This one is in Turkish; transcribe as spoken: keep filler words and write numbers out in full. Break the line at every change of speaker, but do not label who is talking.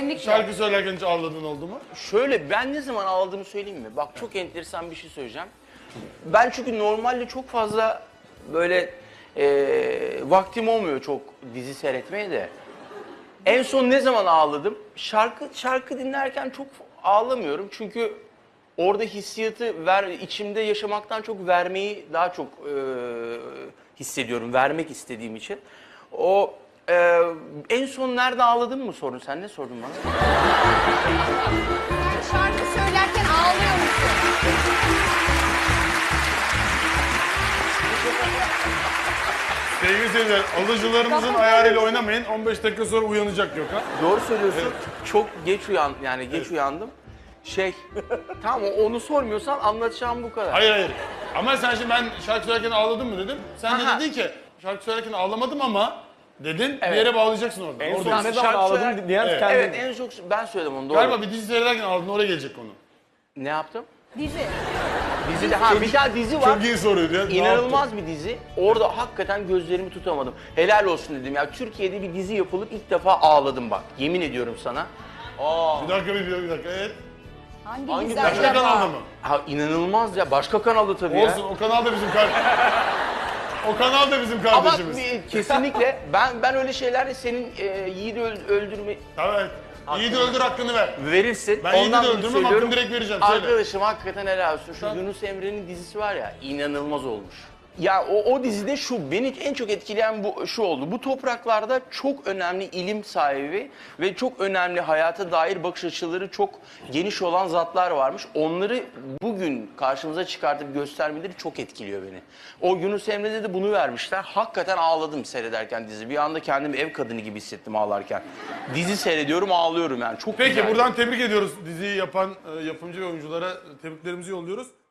Kesinlikle.
şarkı söylerken hiç ağladığın oldu mu?
Şöyle, ben ne zaman ağladığımı söyleyeyim mi? Bak, çok enteresan bir şey söyleyeceğim. Ben çünkü normalde çok fazla böyle e, vaktim olmuyor çok dizi seyretmeye de. En son ne zaman ağladım? Şarkı şarkı dinlerken çok ağlamıyorum çünkü orada hissiyatı ver, içimde yaşamaktan çok vermeyi daha çok e, hissediyorum, vermek istediğim için. O e, en son nerede ağladın mı sorun? Sen ne sordun bana?
Sen şarkı söylerken ağlıyor musun?
Sevgili seyirciler, alıcılarımızın ayarıyla oynamayın. on beş dakika sonra uyanacak Gökhan.
Doğru söylüyorsun. Çok geç uyan yani geç uyandım. Şey, tamam onu sormuyorsan anlatacağım bu kadar.
Hayır hayır. Ama sen şimdi ben şarkı söylerken ağladın mı dedim. Sen
Aha.
de dedin ki şarkı söylerken ağlamadım ama dedin.
Evet.
Bir yere bağlayacaksın orada.
En
Orada.
son ne zaman
Şarkı
ağladın
söyler-
diyen
Evet.
kendi.
Evet, en çok ben söyledim onu, doğru.
Galiba bir dizi seyrederken ağladın, oraya gelecek konu.
Ne yaptım?
Dizi.
Dizide, ha bir tane dizi var.
Çok iyi soruydu ya. Ne
İnanılmaz bir dizi. Orada hakikaten gözlerimi tutamadım. Helal olsun dedim ya. Türkiye'de bir dizi yapılıp ilk defa ağladım bak. Yemin ediyorum sana. Aa.
yaptın? Bir dakika bir dakika, bir dakika. Evet.
Hangi,
Hangi
dizi
Başka
acaba?
kanalda mı?
Ha, inanılmaz ya. Başka kanalda tabii
Olsun,
ya.
o kanal da bizim kardeşimiz. O kanal da bizim
Ama
kardeşimiz.
bir- kesinlikle ben ben öyle şeylerle senin e, yiğidi öl- öldürme
Evet. İyi de öldür, hakkını ver.
verirsin.
Ben yiğidi de
dolayı
öldürmem,
söylüyorum.
hakkını direkt vereceğim. Söyle.
Arkadaşım hakikaten helal olsun. Şu Yunus Emre'nin dizisi var ya, inanılmaz olmuş. Ya o, o dizide şu, beni en çok etkileyen bu şu oldu. Bu topraklarda çok önemli ilim sahibi ve çok önemli hayata dair bakış açıları çok geniş olan zatlar varmış. Onları bugün karşımıza çıkartıp göstermeleri çok etkiliyor beni. O Yunus Emre'de de bunu vermişler. Hakikaten ağladım seyrederken dizi. Bir anda kendimi ev kadını gibi hissettim ağlarken. Dizi seyrediyorum, ağlıyorum yani. Çok
Peki
güzel.
buradan tebrik ediyoruz diziyi yapan e, yapımcı ve oyunculara tebriklerimizi yolluyoruz.